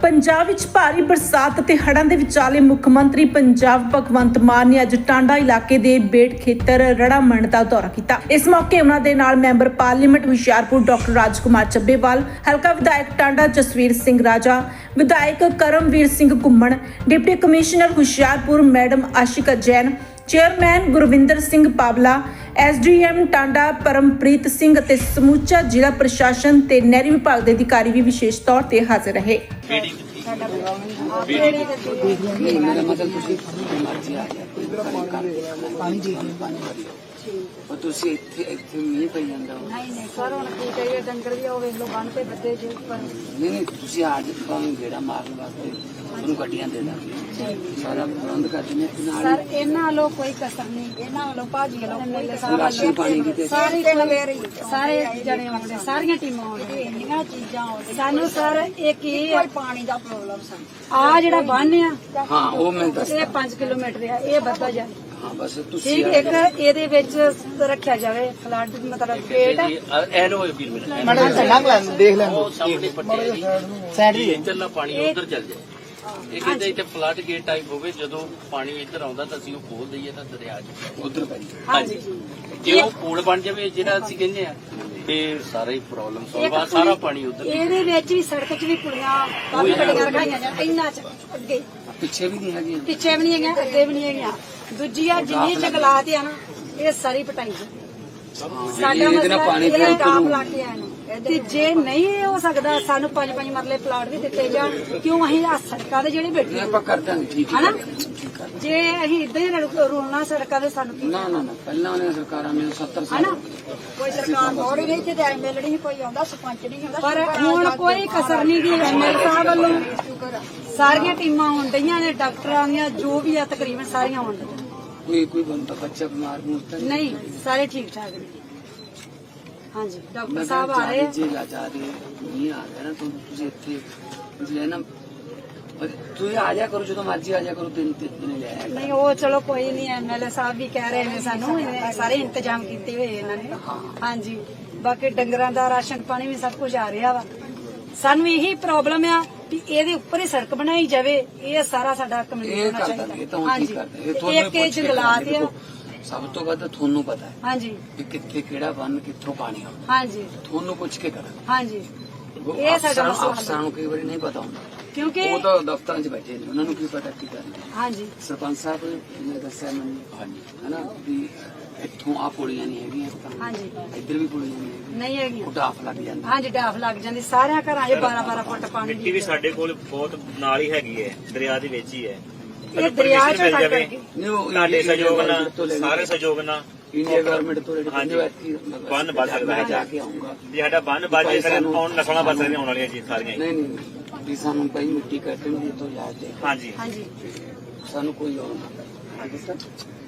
ਪੰਜਾਬ ਵਿੱਚ ਭਾਰੀ ਬਰਸਾਤ ਅਤੇ ਹੜ੍ਹਾਂ ਦੇ ਵਿਚਾਲੇ ਮੁੱਖ ਮੰਤਰੀ ਪੰਜਾਬ ਭਗਵੰਤ ਮਾਨ ਨੇ ਅੱਜ ਟਾਂਡਾ ਇਲਾਕੇ ਦੇ ਬੇਟ ਖੇਤਰ ਰੜਾਮਣ ਦਾ ਦੌਰਾ ਕੀਤਾ। ਇਸ ਮੌਕੇ ਉਹਨਾਂ ਦੇ ਨਾਲ member parliament Hoshiarpur doctor Rajkumar Chabbewal, ਹਲਕਾ ਵਿਧਾਇਕ ਟਾਂਡਾ ਜਸਵੀਰ ਸਿੰਘ ਰਾਜਾ, ਵਿਧਾਇਕ Karamvir Singh Ghuman, deputy commissioner Hoshiarpur madam Ashika Jain, chairman Gurvinder Singh Pawla, SDM Tanda Parampreet Singh ਅਤੇ ਸਮੁੱਚਾ ਜ਼ਿਲ੍ਹਾ ਪ੍ਰਸ਼ਾਸਨ ਤੇ ਨਹਿਰੀ ਵਿਭਾਗ ਦੇ ਅਧਿਕਾਰੀ ਵੀ ਵਿਸ਼ੇਸ਼ ਤੌਰ ਤੇ ਹਾਜ਼ਰ ਰਹੇ। ਤੁਸੀਂ ਇੱਥੇ ਮੀਂਹ ਪਈ ਜਾਂਦਾ ਨਹੀਂ ਸਰ ਹੁਣ ਕੀ ਕਰੀਏ, ਡੰਗਰ ਵੀ ਉਹ ਵੇਖ ਲੋ ਬੰਨ ਤੇ ਬੱਦੇ ਜੇ ਉੱਪਰ। ਨਹੀਂ ਤੁਸੀਂ ਅੱਜ ਤੁਹਾਨੂੰ ਗੇੜਾ ਮਾਰਨ ਵਾਸਤੇ ਉਹਨੂੰ ਗੱਡੀਆਂ ਦੇ ਦਾਂਗੇ, ਸਾਰਾ ਪ੍ਰਬੰਧ ਕਰ ਦਿੰਦੇ ਨਾਲ। ਸਰ ਇਹਨਾਂ ਵੱਲੋਂ ਕੋਈ ਕਸਰ ਨਹੀਂ, ਇਹਨਾਂ ਵੱਲੋਂ ਭਾਜੀ ਵੱਲੋਂ ਰਾਸ਼ਨ ਪਾਣੀ ਦੀ ਸਾਰੇ ਜਣੇ ਆਉਂਦੇ, ਸਾਰੀਆਂ ਟੀਮਾਂ ਆਉਂਦੀਆਂ, ਇੰਨੀਆਂ ਚੀਜ਼ਾਂ ਆਉਂਦੀਆਂ ਸਾਨੂੰ। ਸਰ ਇਹ ਕੀ ਹੈ, ਪਾਣੀ ਦਾ ਪ੍ਰੋਬਲਮ ਸਾਨੂੰ। ਆ ਜਿਹੜਾ ਬੰਨ ਆ ਹਾਂ ਉਹ ਮੈਂ ਦੱਸ, ਇਹ 5 ਕਿਲੋਮੀਟਰ ਆ, ਇਹ ਵੱਧਦਾ ਜਾਏ। ਹਾਂ ਬਸ ਤੁਸੀਂ ਠੀਕ, ਇੱਕ ਇਹਦੇ ਵਿੱਚ ਰੱਖਿਆ ਜਾਵੇ ਫਲੱਡ ਮਤਲਬ ਗੇਟ। ਮੈਡਮ ਦੇਖ ਲੈਣ ਉਹ ਸਾਹਮਣੇ ਪੱਟੀ ਸਾਈਡ ਵੀ ਇੱਧਰਲਾ ਪਾਣੀ ਉਧਰ ਚੱਲ ਜਾਏ। ਇਹ ਕਹਿੰਦੇ ਇੱਥੇ ਫਲੱਡ ਗੇਟ ਟਾਈਪ ਹੋਵੇ, ਜਦੋਂ ਪਾਣੀ ਇੱਧਰ ਆਉਂਦਾ ਤਾਂ ਅਸੀਂ ਉਹ ਖੋਲ ਦਈਏ ਤਾਂ ਦਰਿਆ ਚ ਉਧਰ ਪੈ ਜਾਏ। ਹਾਂਜੀ, ਜੇ ਉਹ ਪੁਲ ਬਣ ਜਾਵੇ ਜਿਹੜਾ ਅਸੀਂ ਕਹਿੰਦੇ ਆ, ਤੇ ਸਾਰਾ ਹੀ ਪ੍ਰੋਬਲਮ ਸੋਲਵ ਆ, ਸਾਰਾ ਪਾਣੀ ਉਧਰ। ਇਹਦੇ ਵਿੱਚ ਵੀ ਸੜਕ 'ਚ ਵੀ ਪੁਲੀਆਂ ਕਾਫੀ ਬੜੀਆਂ ਰਖਾਈਆਂ ਜਾਂ ਇੰਨਾ ਚ ਅੱਗੇ ਪਿੱਛੇ ਵੀ ਨਹੀਂ ਹੈਗੀ, ਪਿੱਛੇ ਵੀ ਨਹੀਂ ਹੈਗੀਆਂ, ਅੱਗੇ ਵੀ ਨਹੀਂ ਹੈਗੀਆਂ। ਦੂਜੀ ਆ ਜਿੰਨੀ ਜੰਗਲਾਤ ਆ ਨਾ, ਇਹ ਸਾਰੀ ਪਟਾਈ ਸਾਡਾ ਇਹਦੇ ਨਾਲ ਪਾਣੀ ਮਸਲਾ ਫਿਰ ਕਾਪ ਲਾ ਕੇ ਆਏ ਨੂੰ। ਤੇ ਜੇ ਨਹੀਂ ਹੋ ਸਕਦਾ ਸਾਨੂੰ 5-5 ਮਰਲੇ ਪਲਾਟ ਵੀ ਦਿੱਤੇ ਜਾਣ, ਕਿਉਂ ਅਸੀਂ ਆ ਸੜਕਾਂ ਦੇ ਜਿਹੜੇ ਬੈਠੇ ਆਪਾਂ ਕਰ ਦਾਂਗੇ। ਠੀਕ ਹਨਾ, ਹੈ ਜੇ ਅਸੀਂ ਇਦਾਂ ਹੀ ਰੋਣਾ ਸੜਕਾਂ ਦੇ ਸਾਨੂੰ ਕੀ ਨਾ ਨਾ ਨਾ, ਪਹਿਲਾਂ ਉਹਨੇ ਸਰਕਾਰਾਂ ਨੇ 70 ਸਾਲ ਹਨਾ, ਕੋਈ ਸਰਕਾਰ ਮੋੜੀ ਨਹੀਂ ਤੇ ਐਮਐਲਏ ਨਹੀਂ ਕੋਈ ਆਉਂਦਾ, ਸਰਪੰਚ ਨਹੀਂ ਆਉਂਦਾ, ਪਰ ਹੁਣ ਕੋਈ ਕਸਰ ਨਹੀਂ ਗਈ ਐਮਐਲਏ ਸਾਹਿਬ ਵੱਲੋਂ। ਸਾਰੀਆਂ ਟੀਮਾਂ ਆਉਣ ਡਈਆਂ ਨੇ, ਡਾਕਟਰਾਂ ਦੀਆਂ ਜੋ ਵੀ ਆ ਤਕਰੀਬਨ ਸਾਰੀਆਂ ਆਉਣ ਡਈਆਂ। ਕੋਈ ਬੰਦਾ ਬੱਚਾ ਬਿਮਾਰ ਮੁਰਤਾ ਨਹੀਂ, ਸਾਰੇ ਠੀਕ ਠਾਕ ਨੇ। ਹਾਂਜੀ, ਡਾਕਟਰ ਸਾਹਿਬ ਆ ਰਹੇ ਆ। ਜੇ ਜਾ ਰਹੇ ਨਹੀਂ ਆ ਰਿਹਾ ਨਾ, ਤੁਸੀਂ ਇੱਥੇ ਜੇ ਨਾ ਤੁਸੀਂ ਆ ਜਾ ਕਰੋ, ਜਦੋਂ ਮਰਜ਼ੀ ਆ ਜਾ ਕਰੋ, ਦਿਨ ਲੈ ਆਇਆ। ਨਹੀਂ ਉਹ ਚਲੋ ਕੋਈ ਨਹੀਂ, ਐਮਐਲਏ ਸਾਹਿਬ ਵੀ ਕਹਿ ਰਹੇ ਨੇ ਸਾਨੂੰ, ਸਾਰੇ ਇੰਤਜ਼ਾਮ ਕੀਤੇ ਹੋਏ ਇਹਨਾਂ ਨੇ। ਹਾਂਜੀ, ਬਾਕੀ ਡੰਗਰਾਂ ਦਾ ਰਾਸ਼ਨ ਪਾਣੀ ਵੀ ਸਭ ਕੁਝ ਆ ਰਿਹਾ ਵਾ। ਸਾਨੂੰ ਇਹੀ ਪ੍ਰੋਬਲਮ ਆ ਵੀ ਇਹਦੇ ਉੱਪਰ ਹੀ ਸੜਕ ਬਣਾਈ ਜਾਵੇ, ਇਹ ਸਾਰਾ ਸਾਡਾ ਕੰਪਲੀਟ ਹੋਣਾ ਚਾਹੀਦਾ। ਹਾਂਜੀ, ਇੱਕ ਇਹ ਜੰਗਲਾਤ ਆ, ਸਭ ਤੋਂ ਵੱਧ ਤੁਹਾਨੂੰ ਪਤਾ ਹੈ। ਹਾਂਜੀ, ਕਿ ਕਿੱਥੇ ਕਿਹੜਾ ਬੰਨ ਕਿੱਥੋਂ ਪਾਣੀ ਆਉਂਦਾ, ਹਾਂਜੀ ਤੁਹਾਨੂੰ ਪੁੱਛ ਕੇ ਕਰਾਂ। ਹਾਂਜੀ, ਇਹ ਸਾਡਾ ਮਸਲਾ ਅਫਸਰਾਂ ਨੂੰ ਕਈ ਵਾਰੀ ਨਹੀਂ ਪਤਾ ਹੁੰਦਾ, ਕਿਉਂਕਿ ਉਹ ਤਾਂ ਦਫ਼ਤਰਾਂ 'ਚ ਬੈਠੇ ਨੇ, ਉਹਨਾਂ ਨੂੰ ਕੀ ਪਤਾ ਕੀ ਕਰਨਾ। ਹਾਂਜੀ, ਸਰਪੰਚ ਸਾਹਿਬ ਨੇ ਦੱਸਿਆ ਮੈਨੂੰ, ਹਾਂਜੀ ਹਨਾ, ਵੀ ਇੱਥੋਂ ਆ ਪੁਲੀਆਂ ਨਹੀਂ ਹੈਗੀਆਂ, ਹਾਂਜੀ ਇੱਧਰ ਵੀ ਪੁਲੀਆਂ ਨਹੀਂ ਹੈਗੀਆਂ, ਨਹੀਂ ਹੈਗੀਆਂ। ਉਹ ਡਾਫ ਲੱਗ ਜਾਂਦਾ। ਹਾਂਜੀ, ਡਾਫ ਲੱਗ ਜਾਂਦੀ, ਸਾਰਿਆਂ ਘਰਾਂ 'ਚ 12-12 ਫੁੱਟ ਪਾਣੀ। ਮਿੱਟੀ ਵੀ ਸਾਡੇ ਕੋਲ ਬਹੁਤ ਨਾਲ ਹੀ ਹੈਗੀ ਹੈ, ਦਰਿਆ ਦੇ ਵਿੱਚ ਹੀ ਹੈ। ਇਹ ਦਰਿਆ 'ਚ ਮਿਲ ਕੱਟ ਜਾਵੇ ਕਰਕੇ ਤੁਹਾਡੇ ਸਹਿਯੋਗ ਨਾਲ, ਸਾਰੇ ਸਹਿਯੋਗ ਨਾਲ ਇੰਡੀਆ ਗਵਰਨਮੈਂਟ ਤੋਂ ਹਾਂਜੀ ਬੰਨ ਬਚ ਸਕਦਾ ਹੈ। ਜਾ ਕੇ ਆਉਂਗਾ, ਜੇ ਸਾਡਾ ਬੰਨ ਬਚ ਜੇ ਸਾਨੂੰ ਆਉਣ ਨਸਲਾਂ ਬਚ ਸਕਦੀਆਂ ਆਉਣ ਵਾਲੀਆਂ ਜੀ ਸਾਰੀਆਂ। ਨਹੀਂ ਨਹੀਂ ਵੀ ਸਾਨੂੰ ਪਈ ਮਿੱਟੀ ਕੱਟਣ ਦੀ ਤੋਂ ਯਾਦ ਦੇ, ਹਾਂਜੀ ਹਾਂਜੀ, ਸਾਨੂੰ ਕੋਈ ਹੋਰ ਨਾ ਅੱਗੇ ਤੱਕ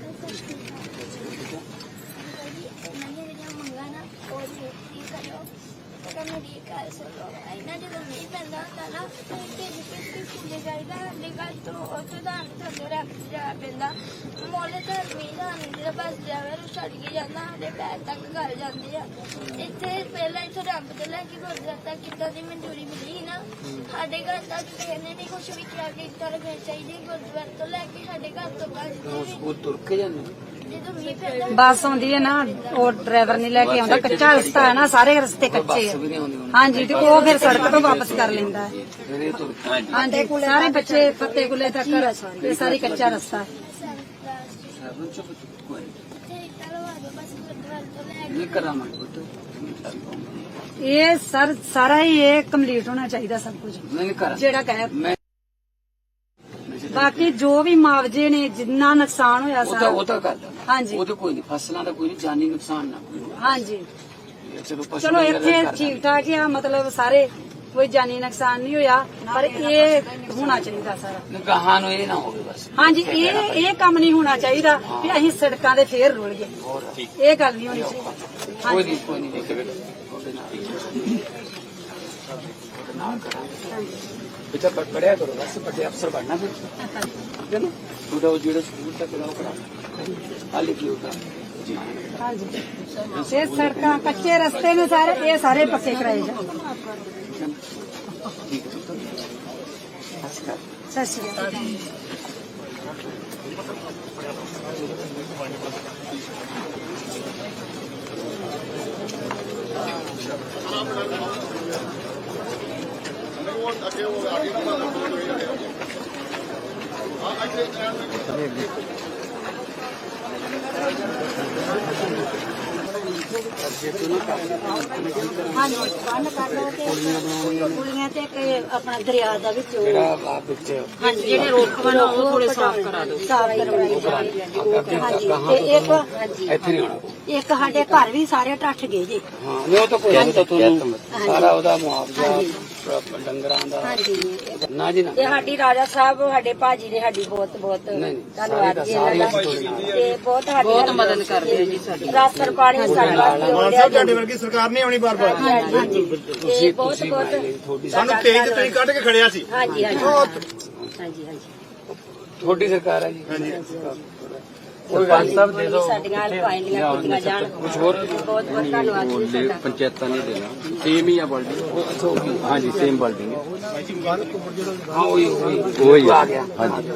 ਜਦੋਂ ਮੀਂਹ ਪੈਂਦਾ ਹੁੰਦਾ ਨਾ, ਫੁੱਲੇ ਜਾਈਦਾ ਸਾਡੇ ਘਰ ਤੋਂ ਉੱਥੇ ਦਾ ਥੱਲੇ ਰੱਖ ਜਾ ਪੈਂਦਾ। ਮੋਲੇ ਤਾਂ ਮੀਂਹ ਦਾ ਜਿਹੜਾ ਬਸ ਜਾਵੇ ਉਹ ਛੱਡ ਕੇ ਜਾਂਦਾ, ਸਾਡੇ ਪੈਰ ਤੱਕ ਘਰ ਜਾਂਦੇ ਆ। ਇੱਥੇ ਪਹਿਲਾਂ ਇੱਥੇ ਰੱਬ ਤੋਂ ਲੈ ਕੇ ਗੁਰਦੁਆਰਾ ਤੱਕ ਕਿੱਦਾਂ ਦੀ ਮਨਜ਼ੂਰੀ ਮਿਲੀ ਸੀ ਨਾ, ਸਾਡੇ ਘਰ ਤੱਕ ਕਿਸੇ ਨੇ ਨਹੀਂ ਕੁਛ ਵੀ ਕਿਹਾ ਕਿ ਇੱਦਾਂ ਰੱਖਣੀ ਚਾਹੀਦੀ। ਗੁਰਦੁਆਰੇ ਤੋਂ ਲੈ ਕੇ ਸਾਡੇ ਘਰ ਤੋਂ ਬਾਅਦ ਉਹ ਤੁਰ ਕੇ ਜਾਂਦੇ। ਜਦੋਂ ਮੀਂਹ ਪੈਂਦਾ ਬੱਸ ਆਉਂਦੀ ਹੈ ਨਾ, ਉਹ ਡਰਾਈਵਰ ਨਹੀਂ ਲੈ ਕੇ ਆਉਂਦਾ, ਕੱਚਾ ਰਸਤਾ ਹੈ ਨਾ, ਸਾਰੇ ਰਸਤੇ ਕੱਚੇ ਆ। ਹਾਂਜੀ, ਤੇ ਉਹ ਫਿਰ ਸੜਕ ਤੋਂ ਵਾਪਸ ਕਰ ਲੈਂਦਾ ਹੈ। ਫਿਰ ਇਹ ਤੁਰ ਕੇ ਹਾਂਜੀ, ਸਾਰੇ ਬੱਚੇ ਫੱਤੇ ਗੁੱਲੇ ਤੱਕ ਇਹ ਸਾਰੀ ਕੱਚਾ ਰਸਤਾ ਹੈ। ਸਾਬਨ ਚ ਕੋਈ ਇੱਥੇ ਇੱਟਾਂ ਲਵਾ ਦਿਓ ਬਸ ਗੁਰਦੁਆਰੇ ਤੋਂ ਲੈ ਨਹੀਂ ਕਰਾਂਗੇ ਪੁੱਤ, ਇਹ ਸਰ ਸਾਰਾ ਹੀ ਇਹ ਕੰਪਲੀਟ ਹੋਣਾ ਚਾਹੀਦਾ ਸਭ ਕੁਝ, ਨਹੀਂ ਕਰਾਂ ਜਿਹੜਾ ਕਹੇ। ਮੈਂ ਬਾਕੀ ਜੋ ਵੀ ਮੁਆਵਜ਼ੇ ਨੇ, ਜਿੰਨਾ ਨੁਕਸਾਨ ਹੋਇਆ ਉਹ ਸਾਰਾ, ਤਾਂ ਕਰਦਾ। ਹਾਂਜੀ ਉਹ ਤਾਂ ਕੋਈ ਨਹੀਂ, ਫਸਲਾਂ ਦਾ ਕੋਈ ਨਹੀਂ, ਜਾਨੀ ਨੁਕਸਾਨ ਨਾ ਕੋਈ। ਹਾਂਜੀ, ਚਲੋ ਚਲੋ ਇੱਥੇ ਠੀਕ ਠਾਕ ਆ, ਮਤਲਬ ਸਾਰੇ ਕੋਈ ਜਾਨੀ ਨੁਕਸਾਨ ਨਹੀਂ ਹੋਇਆ, ਪਰ ਇਹ ਹੋਣਾ ਚਾਹੀਦਾ ਸਾਰਾ। ਗਾਹਾਂ ਨੂੰ ਇਹ ਨਾ ਹੋਵੇ ਬਸ। ਹਾਂਜੀ, ਇਹ ਕੰਮ ਨਹੀਂ ਹੋਣਾ ਚਾਹੀਦਾ ਵੀ ਅਸੀਂ ਸੜਕਾਂ ਦੇ ਫੇਰ ਰੁਲ ਗਏ, ਇਹ ਗੱਲ ਨਹੀਂ ਹੋਣੀ ਚਾਹੀਦੀ। ਕੋਈ ਨਹੀਂ ਕੋਈ ਨਹੀਂ बेटा पढ़ाया करो, बस बड़े अफसर बनना फिर, ठीक है ना। थोड़ा वो जो स्कूल तक करा हाल की होगा जी। हाँ जी, ये सड़क कच्चे रास्ते में सारे ये सारे पक्के कराए जाए। ठीक है। ਸਤਿ ਸ਼੍ਰੀ ਅਕਾਲ। ਹਾਂਜੀ ਬੰਦ ਕਰ ਲਓ ਤੇ ਕੁੜੀਆਂ ਤੇ ਇੱਕ ਆਪਣਾ ਦਰਿਆ ਦਾ ਵਿੱਚ ਜਿਹੜਾ ਆ ਵਿੱਚ ਹਾਂਜੀ ਜਿਹੜੇ ਰੋਕਵਨ ਉਹ ਥੋੜੇ ਸਾਫ਼ ਕਰਾ ਦਿਓ, ਸਾਫ਼ ਕਰਵਾਈ ਜਾਣੀ ਹਾਂਜੀ ਤੇ ਇੱਕ ਹਾਂਜੀ ਇੱਥੇ ਨਹੀਂ ਆਉਣਾ। ਇੱਕ ਸਾਡੇ ਘਰ ਵੀ ਸਾਰੇ ਟੱਟ ਗਏ ਜੀ। ਹਾਂ ਨਹੀਂ ਉਹ ਤਾਂ ਕੋਈ ਨਹੀਂ, ਤਾਂ ਤੁਹਾਨੂੰ ਸਾਰਾ ਉਹਦਾ ਮੁਆਵਜ਼ਾ ਡੰਗਰਾਂ ਦਾ ਹਾਂਜੀ ਨਾ ਜੀ ਨਾ। ਤੇ ਸਾਡੀ ਰਾਜਾ ਸਾਹਿਬ ਸਾਡੇ ਭਾਜੀ ਨੇ ਸਾਡੀ ਬਹੁਤ ਬਹੁਤ ਨਹੀਂ, ਧੰਨਵਾਦ ਜੀ ਸਾਰੀ ਇਹਨਾਂ ਦਾ ਸਾਰੀ ਤੇ ਬਹੁਤ ਮਦਦ ਕਰਦੇ ਆ ਜੀ ਸਾਡੀ ਰਾਸ਼ਨ ਪਾਣੀ ਸਾਡੇ ਵਾਸਤੇ ਮਾਨ ਸਾਹਿਬ ਤੁਹਾਡੇ ਵਰਗੀ ਸਰਕਾਰ ਨਹੀਂ ਆਉਣੀ ਬਾਰ-ਬਾਰ। ਹਾਂਜੀ ਤੇ ਬਹੁਤ ਤੁਹਾਡੀ ਸਾਨੂੰ ਤੇਜ ਤੇ ਤੁਸੀਂ ਕੱਢ ਕੇ ਖੜਿਆ ਸੀ। ਹਾਂਜੀ ਹਾਂਜੀ ਹਾਂਜੀ ਹਾਂਜੀ ਤੁਹਾਡੀ ਸਰਕਾਰ ਹੈ ਜੀ। ਕੋਈ ਗੱਲ ਸਾਹਿਬ ਦੇ ਦਿਓ ਸਾਡੀਆਂ ਪਾਇਲੀਆਂ ਕੀਤੀਆਂ ਜਾਣ ਕੁਝ ਹੋਰ ਬਹੁਤ ਬਹੁਤ ਧੰਨਵਾਦ ਜੀ ਤੁਹਾਡਾ। ਪੰਚਾਇਤਾਂ ਨਹੀਂ ਦੇਣਾ ਸੇਮ ਹੀ ਆ ਬਿਲਡਿੰਗ ਹਾਂਜੀ ਸੇਮ ਬਿਲਡਿੰਗ ਹੈ ਹਾਂ ਉਹੀ ਆ ਗਿਆ। ਹਾਂਜੀ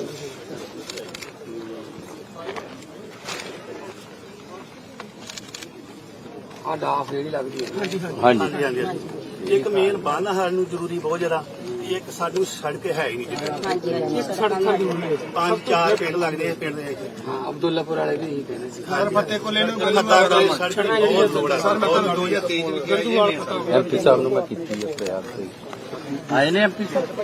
ਆ ਡਾਫ ਜਿਹੜੀ ਲੱਗਦੀ ਹੈ ਹਾਂਜੀ ਹਾਂਜੀ ਇੱਕ ਮੇਨ ਬੰਨ ਸਾਨੂੰ ਜ਼ਰੂਰੀ ਬਹੁਤ ਜ਼ਿਆਦਾ, ਇੱਕ ਸਾਨੂੰ ਸੜਕ ਹੈ ਹੀ ਨਹੀਂ ਜਿੱਥੇ ਹਾਂਜੀ ਹਾਂਜੀ ਪੰਜ ਚਾਰ ਪਿੰਡ ਲੱਗਦੇ ਆ ਪਿੰਡ ਦੇ ਵਿੱਚ। ਹਾਂ ਅਬਦੁੱਲਾਪੁਰ ਵਾਲੇ ਵੀ ਇਹੀ ਕਹਿੰਦੇ ਸੀ। ਸਰ ਫੱਤੇ ਕੋਲੇ ਨੂੰ ਸੜਕ ਦੀ ਬਹੁਤ ਲੋੜ ਹੈ। ਸਰ ਮੈਂ ਤੁਹਾਨੂੰ 2023 ਐਮਪੀ ਸਾਹਿਬ ਨੂੰ ਮੈਂ ਕੀਤੀ ਹੈ ਪ੍ਰਯਾਸ ਤੇ ਆਏ ਨੇ ਐਮਪੀ ਸਾਹਿਬ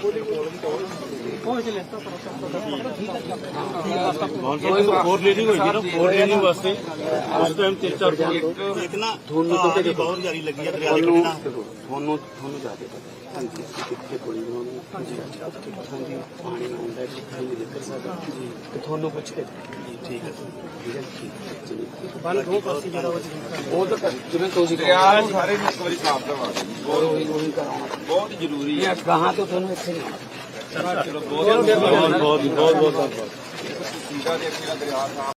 ਫੋਰ ਲੀਡਿੰਗ ਹੋਈ ਸੀ ਨਾ, ਫੋਰ ਲੀਡਿੰਗ ਵਾਸਤੇ ਉਸ ਟਾਈਮ 3-4 ਇੱਕ ਨਾ ਤੁਹਾਨੂੰ ਦੀ ਬਹੁਤ ਜਾਰੀ ਲੱਗੀ ਹੈ ਦਰਿਆ ਦੇ ਕਿਨਾਰੇ ਨਾ। ਤੁਹਾਨੂੰ ਜਾ ਕੇ ਪਤਾ ਹਾਂਜੀ ਕਿੱਥੇ ਕੋਈ ਨਹੀਂ ਹਾਂਜੀ ਪਾਣੀ ਨਾ ਹੁੰਦਾ ਜਿੱਥੇ ਨਹੀਂ ਨਿਕਲ ਸਕਦਾ ਤੇ ਤੁਹਾਨੂੰ ਪੁੱਛ ਕੇ ਠੀਕ ਹੈ ਬੰਨ ਦੋ ਪਾਸੇ ਜਿਹੜਾ ਉਹ ਤਾਂ ਜਿਵੇਂ ਤੁਸੀਂ ਦਰਿਆ ਨੂੰ ਸਾਰੇ ਨੂੰ ਇੱਕ ਵਾਰੀ ਸਾਫ਼ ਕਰਵਾ ਦਿਓ ਉਹੀ ਕਰਾਉਣਾ ਬਹੁਤ ਜ਼ਰੂਰੀ ਹੈ। ਕਹਾਂ ਤੋਂ ਤੁਹਾਨੂੰ ਇੱਥੇ ਨਹੀਂ ਆਉਣਾ। ਬਹੁਤ ਬਹੁਤ ਬਹੁਤ ਬਹੁਤ